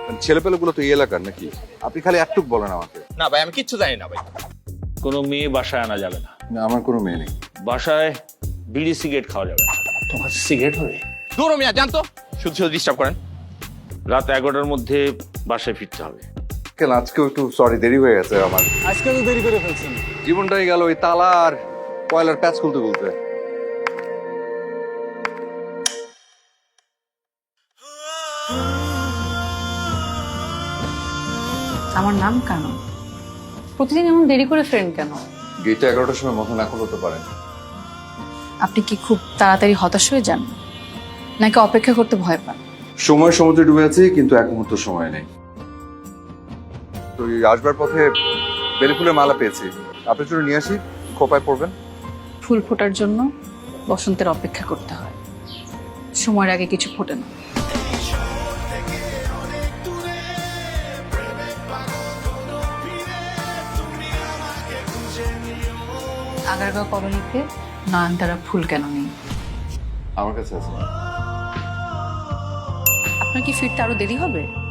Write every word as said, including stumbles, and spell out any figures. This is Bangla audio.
ছেলেপেলেগুলো তো এই এলাকার নাকি? আপনি খালি একটুক বলেন আমাকে। না ভাই, আমি কিচ্ছু জানি না ভাই। কোনো মেয়ে বাসায় আনা যাবে না। না, আমার কোনো মেয়ে নেই। বাসায় বিড়ি সিগারেট খাওয়া যাবে না। তোমার কাছে সিগারেট হবে? দূর মিয়া, জানতো শুধু শুধু ডিস্টার্ব করেন। রাত এগারোটার মধ্যে বাসায় ফিরতে হবে। কেন আজকেও একটু সরি, দেরি হয়ে গেছে আমার। আজকে তো দেরি করে ফেলছেন। জীবনটাই গেল ওই তালা আর কয়লার প্যাচ খুলতে খুলতে। আমার নাম কেন? প্রতিদিন এমন দেরি করে ফেরেন কেন? গেটটা এগারোটার সময় মাথা না খুলতে পারেন। আপনি কি খুব তাড়াতাড়ি হতাশ হয়ে যান, নাকি অপেক্ষা করতে ভয় পান? সময় সমুদ্রে ডুবে আছি, কিন্তু এক মুহূর্ত সময় নেই। তো এই আসবার পথে বেলি ফুলের মালা পেয়েছি, আপনার জন্য নিয়ে আসি, খোপায় পড়বেন। ফুল ফোটার জন্য বসন্তের অপেক্ষা করতে হয়, সময়ের আগে কিছু ফোটে না। আগারগাঁও কলোনিতে নয়নতারা ফুল কেন নেই? আমার কাছে আছে। আপনার কি ফিরতে আরো দেরি হবে?